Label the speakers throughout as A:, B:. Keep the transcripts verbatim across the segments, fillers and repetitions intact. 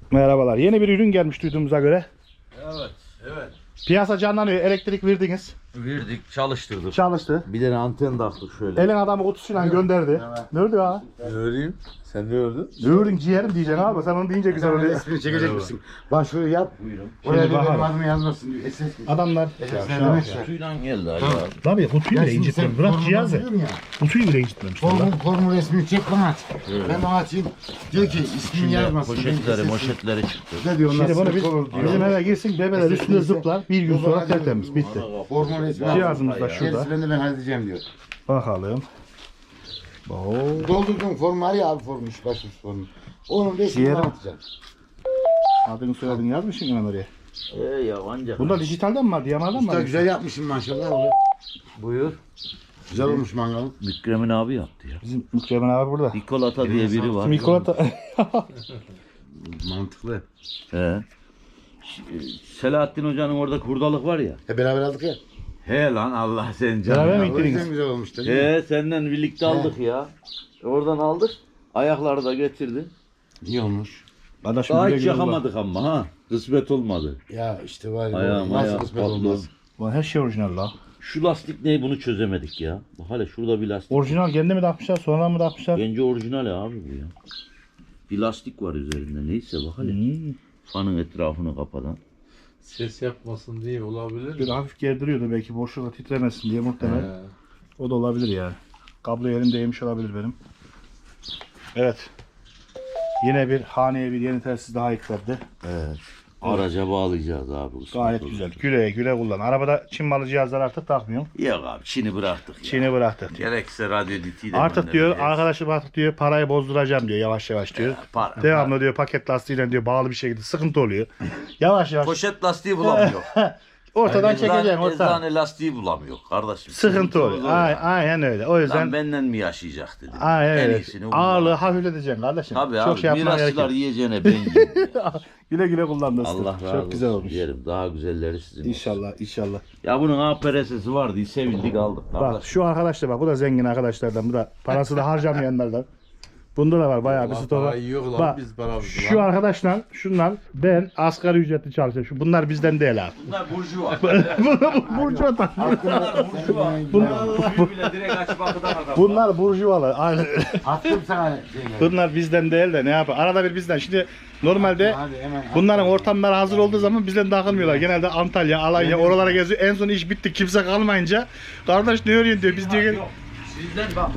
A: Merhabalar. Yeni bir ürün gelmiş duyduğumuza göre.
B: Evet, evet.
A: Piyasa canlanıyor. Elektrik verdiniz.
B: Verdik, çalıştırdık.
A: Çalıştı.
B: Bir tane anten taktık şöyle.
A: Elin adamı kutusuyla gönderdi. Ne ördü ya?
B: Ne öreyim? Sen ne ördün?
A: Ne ördün ciğerim diyeceksin abi. Sen onu deyince güzel oluyor.
C: Resmini çekecek misin? Başvuru yap.
B: Buyurun.
C: Oraya
A: Şimdi
C: bir benim
A: bakalım.
C: adımı yazmasın diyor. S S
A: Adamlar.
B: Kutuyla geldi acaba.
A: Tabii kutuyu bile incitmemiş. Bırak cihazı. Kutuyu bile incitmemiş.
C: Formu, formu resmini çek bana at. Ben bana atayım. Diyor ki ismini yazmasın.
B: Poşetleri, moşetleri çıktı.
C: Ne diyor onlar?
A: Şimdi bunu biz,
C: sıkıntı olur diyor.
A: bizim eve girsin bebeler üstüne zıplar. Bir gün sonra tertemiz. Bitti.
C: Formu resmini
A: Cihazımız da
C: Gerisi
A: şurada.
C: ben de ben halledeceğim diyor.
A: Bakalım. Oo.
C: Doldurduğum formu var ya abi formu, iş başvuru formu. Onun resmini
A: Diğeri-
C: atacağım.
A: Adını soyadını yazmışsın hemen oraya.
B: Ee ya ancak.
A: Bunda dijitalden mi var? Diyamardan mı
C: Usta
A: var?
C: güzel yapmışsın maşallah. Oğlum.
B: Buyur.
C: Güzel olmuş mangalın.
B: Mükremin abi yaptı ya.
A: Bizim Mükremin abi burada.
B: Nikolata diye biri var.
A: Mikolata.
C: Mantıklı.
B: He. Ş- Selahattin Hoca'nın orada hurdalık var ya.
C: He beraber aldık ya.
B: He lan Allah sen
A: Beraber
B: canına.
A: mi?
C: O yüzden güzel olmuş da.
B: He senden birlikte aldık ya. Oradan aldık. Ayakları da getirdi.
C: İyi olmuş.
A: Kardeşim
B: Daha
A: güle
B: hiç
A: güle kullan.
B: yakamadık ama ha. Kısmet olmadı.
C: Ya işte var ya.
B: Ayağım
C: Nasıl
B: ayağı
C: kısmet
B: patlı.
C: olmaz.
A: Ulan her şey orijinal la.
B: Şu lastik ne bunu çözemedik ya. Bak hele şurada bir lastik.
A: Orijinal kendi mi takmışlar sonra mı takmışlar?
B: Bence orijinal abi bu ya. Bir lastik var üzerinde. Neyse bak hele.
A: Hmm.
B: Fanın etrafını kapatan.
D: Ses yapmasın diye olabilir
A: Bir
D: mi?
A: hafif gerdiriyordu belki boşluğunda titremesin diye muhtemelen.
D: He.
A: O da olabilir yani. Kablo yerim değmiş olabilir benim. Evet. Yine bir haneye bir yeni telsiz daha eklendi.
B: Evet. Araca bağlayacağız abi. kısmet
A: Gayet
B: olur.
A: güzel. Güle güle kullan. Arabada Çin malı cihazlar artık takmıyorum.
B: Yok abi Çin'i bıraktık ya.
A: Çin'i bıraktık.
B: Gerekse radyo ditiyle
A: Artık diyor arkadaşım artık diyor parayı bozduracağım diyor yavaş yavaş diyor.
B: para,
A: Devamlı diyor paket lastiğiyle diyor bağlı bir şekilde sıkıntı oluyor. Yavaş yavaş
B: Poşet lastiği bulamıyor.
A: ortadan
B: Eczane-
A: çekeceksin ortadan.
B: Eczane lastiği bulamıyor kardeşim.
A: Sıkıntı oluyor.
B: olur
A: Ay,
B: ya.
A: aynen öyle. O yüzden
B: Lan benden mi yaşayacak dedim.
A: aynen
B: En
A: öyle.
B: iyisini bu.
A: Ağırlığı hafifleteceksin kardeşim.
B: Tabii
A: Çok
B: abi
A: şey yapmana gerek
B: mirasçılar
A: yok.
B: yiyeceğine ben yiyeyim ya.
A: Güle güle kullan dostum.
B: Allah razı
A: Çok
B: olsun
A: güzel olmuş.
B: diyelim. Daha güzelleri sizin olsun.
A: İnşallah inşallah.
B: Ya bunun A P R S'si var diye sevindik aldık.
A: Bak
B: kardeşim.
A: şu arkadaş da bak bu da zengin arkadaşlardan. Bu da parası da harcamayanlardan. Bunda da var bayağı bir
D: Allah
A: stoğu var.
D: para yiyor lan
A: Bak,
D: biz paramızı
A: Şu
D: lan.
A: arkadaşlar şunlar ben asgari ücretli çalışıyorum. Şu- Bunlar bizden değil abi.
B: Bunlar burjuva.
A: Burcu adam.
B: Bunlar burjuva. Bunlar bile direkt açıp akıdan adam.
A: Bunlar burjuvalar. Aynen öyle.
C: Attım sana şeyleri.
A: Bunlar bizden değil de ne yapar? Arada bir bizden. Şimdi normalde
C: Hadi hemen.
A: bunların ortamları hazır olduğu zaman bizden takılmıyorlar. Genelde Antalya, Alanya oralara geziyor. En son iş bitti. Kimse kalmayınca kardeş ne örüyorsun diyor. Biz diyor gel.
B: Yok. Sizden bak.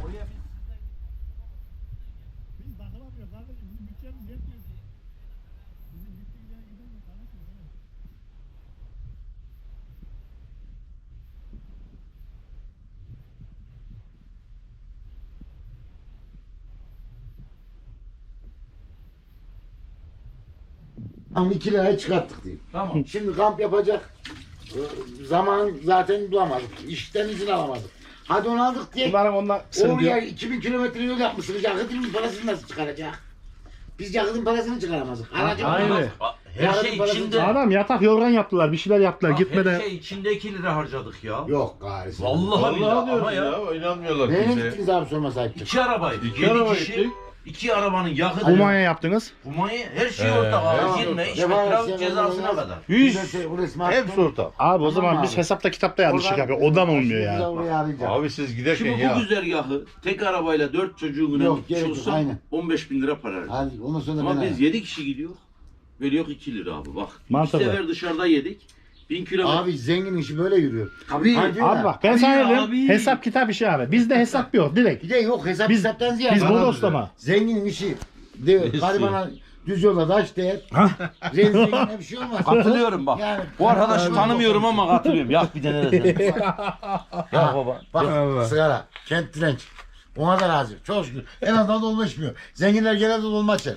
C: Tam iki liraya çıkarttık diyeyim.
B: Tamam.
C: Şimdi kamp yapacak e, zaman zaten bulamadık. İşten izin alamadık. Hadi onu aldık diye.
A: Bunların ondan
C: Oraya iki bin kilometre yol yapmışsınız. Yakıtın parasını nasıl çıkaracak? Biz yakıtın parasını çıkaramazdık. Aracı
A: Aynen.
C: olmaz.
B: Her şey içinde.
A: Adam yatak yorgan yaptılar. Bir şeyler yaptılar.
B: Bak,
A: Gitmeden.
B: Her şey içinde iki lira harcadık ya.
C: Yok gari.
B: Vallahi,
D: Vallahi
B: billahi ama
D: diyoruz
B: ya.
D: ya. İnanmıyorlar
C: Nereye
D: kimseye.
C: gittiniz abi sorma sahip çık.
B: İki arabaydı.
D: İki
B: Yedi
D: araba
B: kişi.
D: gittik.
B: İki arabanın yakıtı.
A: Kumanya yaptınız.
B: Kumanya her şey
D: Ee,
B: ortak abi.
C: ya.
B: Girme, içme,
C: Defa
B: trafik
C: sen
B: cezasına
C: olmaz.
B: kadar.
A: Yüz.
C: Bu resmi
D: Hepsi
C: attım.
D: ortak.
A: Abi o
C: Tamam
A: zaman
C: abi.
A: biz hesapta kitapta yanlışlık
C: Oradan-
A: yapıyor. O da mı olmuyor
C: Şimdi
A: ya?
C: oraya arayacağım.
D: Abi siz giderken
B: Şimdi
D: ya.
B: bu güzergahı tek arabayla dört çocuğuna
C: Yok,
B: gitmiş
C: gerek yok,
B: olsa
C: aynen.
B: on beş bin lira para verir.
C: Hadi ondan sonra
B: Ama
C: ben
B: biz yedi kişi gidiyor. Veriyor iki lira abi bak.
A: Mantıklı.
B: Bir sefer dışarıda yedik. Bin kilometre.
C: Abi zengin işi böyle yürüyor.
B: Tabii.
C: Hadi
A: Abi
C: ya.
A: bak ben
B: Abi
A: sana
B: ya,
A: dedim.
B: abi.
A: Hesap kitap işi abi. Bizde hesap yok direkt.
C: Bir de yok hesap
A: Biz-
C: hesaptan ziyade.
A: Biz
C: Bana
A: bodoslama.
C: Zenginin işi. De,
D: Neyse.
C: garibana düz yolda taş değer. Zengine bir şey olmaz.
B: Katılıyorum bak.
C: Yani-
B: Bu arkadaşı tanımıyorum ama katılıyorum. Yak bir tane de sen. Ya baba.
C: Bak sigara, kent direnç. Ona da razı. Çok şükür. En azından dolma içmiyor. Zenginler genelde dolma içer.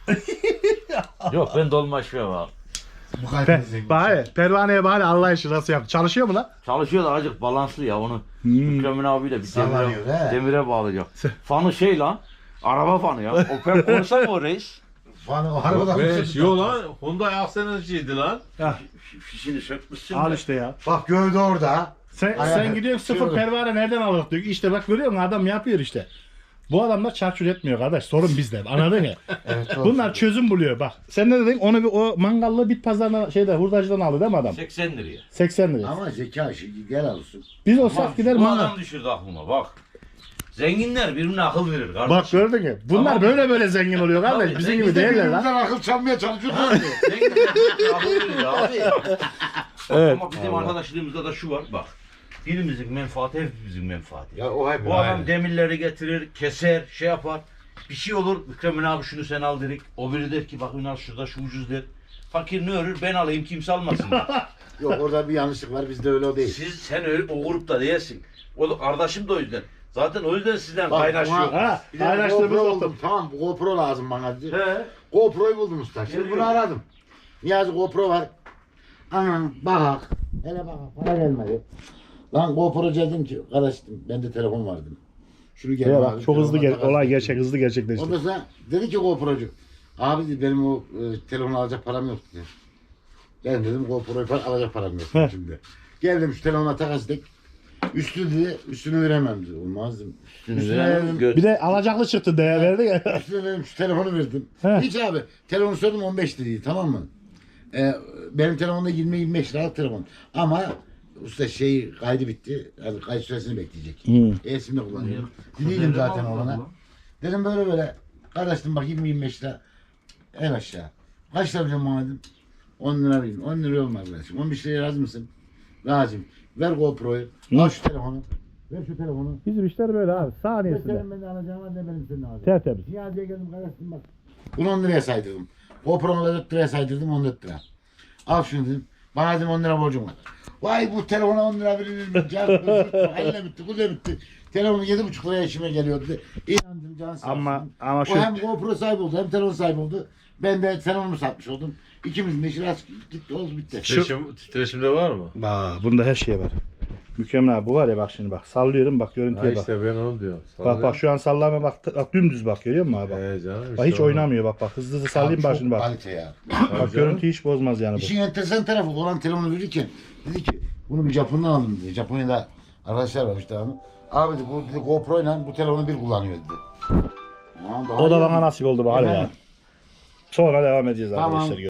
B: Yok ben dolma içmiyorum abi.
C: Bu kadar
A: Pe
C: zengin.
A: bari pervaneye bari Allah işi nasıl yaptı? Çalışıyor mu lan?
B: Çalışıyor da azıcık balanslı ya onu.
A: Hmm.
B: Mükremin abiyle bir
C: Sallanıyor,
B: demire,
C: he.
B: demire bağlayacak. Fanı şey lan. Araba fanı ya. Opel Corsa mı o reis?
C: Bana o arabadan
D: Be,
C: bir şey
D: yo lan Hyundai Aksenizciydi lan.
B: Fişini sökmüşsün
A: Al
B: de.
A: işte ya.
C: Bak gövde orada.
A: Sen,
C: Ay,
A: sen
C: ay,
A: gidiyorsun
C: şey
A: sıfır
C: olur.
A: pervane nereden alır diyor. İşte bak görüyor musun adam yapıyor işte. Bu adamlar çarçur etmiyor kardeş. Sorun bizde. Anladın mı?
C: Evet, doğru.
A: Bunlar çözüm buluyor bak. Sen ne dedin? Onu bir o mangallı bit pazarına şeyde hurdacıdan aldı değil mi adam?
B: seksen liraya.
A: seksen lira.
C: Ama zeka işi gel alsın.
A: Biz olsak gider
B: Bu
A: mangal.
B: adam düşürdü aklıma bak. Zenginler birbirine akıl verir kardeşim.
A: Bak gördün mü? Bunlar
B: Tamam.
A: böyle böyle zengin oluyor kardeş.
B: Tabii,
A: Bizim
B: biz
A: gibi
C: Biz de
A: değiller lan.
C: birbirimizden akıl çalmaya çalışıyoruz.
B: Zenginler birbirine akıl verir abi.
A: Evet.
B: Ama bizim arkadaşlığımızda da şu var bak. Birimizin menfaati hepimizin menfaati.
C: Ya o hep
B: Bu adam demirleri getirir, keser, şey yapar. Bir şey olur, Mükremin abi şunu sen al dedik. O biri der ki bak Ünal şurada şu ucuz der. Fakir ne örür ben alayım kimse almasın der.
C: Yok orada bir yanlışlık var bizde öyle o değil.
B: Siz sen öyle o grupta değilsin. O da kardeşim de o yüzden. Zaten o yüzden sizden
C: Bak,
B: kaynaşıyor.
C: buna-
A: Ha,
C: Bir de
A: paylaştığımız
C: GoPro
A: oldu.
C: buldum. Tamam GoPro lazım bana dedi.
B: He.
C: GoPro'yu buldum usta. Şimdi
B: Geliyor.
C: bunu aradım. Niyazi GoPro var. Aman bak. Hele bak para gelmedi. Lan GoPro dedim ki kardeşim bende telefon vardı. Şunu gel
A: Ya
C: abi,
A: bak çok hızlı
C: telefona
A: gel
C: takarsın.
A: olay gerçek hızlı gerçekleşti.
C: Ondan sonra dedi ki GoPro'cu. Abi dedi benim o e, telefonu alacak param yok dedi. Ben dedim GoPro'yu falan alacak param yok
A: Heh.
C: şimdi. Geldim şu telefona takas ettik. Üstü dedi üstünü veremem dedi. Olmaz dedim. Üstüne verdim.
B: Göt.
A: Bir de alacaklı çıktı değer verdi ya.
C: Üstüne verdim şu telefonu verdim.
A: Heh.
C: Hiç abi telefonu sordum on beş liraydı tamam mı? Ee, benim telefonda yirmi yirmi beş liralık telefon. Ama usta şey kaydı bitti. Yani kayıt süresini bekleyecek.
A: Hı.
C: E-sim'de kullanıyorum. Dinledim zaten ona. Dedim böyle böyle. Kardeşim bak yirmi yirmi beş lira en aşağı. Kaç lira vereceğim bana dedim. on lira vereyim. on lira olmaz kardeşim. on beş liraya razı mısın? Razıyım. Ver GoPro'yu. Al şu telefonu. Ver şu telefonu.
A: Bizim işler böyle abi.
C: Ne
A: Saniyesinde.
C: senin benden alacağım var ne benim senin alacağım.
A: Tertemiz.
C: Niyazi'ye geldim kardeşim bak. Bunu on liraya saydırdım. GoPro'mu da dört liraya saydırdım on dört lira. Al şunu dedim. Bana dedim on lira borcum var. Vay bu telefona on lira verilir mi? Can, elle bitti, kule bitti. Telefonu yedi buçuk liraya işime geliyordu. İnandım can sağ
A: Ama
C: olsun.
A: ama
C: O
A: şu
C: hem GoPro sahibi oldu hem telefon sahibi oldu. Ben de telefonumu satmış oldum. İkimizin de işi rast gitti oldu bitti.
D: Titreşim, titreşimde var mı?
A: Aa, bunda her şey var. Mükemmel abi bu var ya bak şimdi bak sallıyorum bak
D: Ha
A: görüntüye bak.
D: işte ben onu diyorum.
A: Bak bak şu an sallama bak, bak dümdüz bak görüyor musun abi bak.
D: He canım işte
A: Bak hiç
D: onu.
A: oynamıyor bak bak hızlı hızlı sallayayım bak
C: Çok
A: şimdi bak.
C: kalite ya.
D: Tabii
A: Bak
D: canım.
A: görüntü hiç bozmaz yani bu.
C: İşin enteresan tarafı olan telefonu verirken dedi ki bunu bir Japon'dan aldım dedi. Japonya'da arkadaşlar var işte abi. Abi dedi, bu dedi, GoPro ile bu telefonu bir kullanıyor dedi. Tamam, daha
A: O da
C: iyi
A: bana
C: mi?
A: nasip oldu bari ya.
C: Efendim?
A: Sonra devam edeceğiz
C: Tamam.
A: arkadaşlar.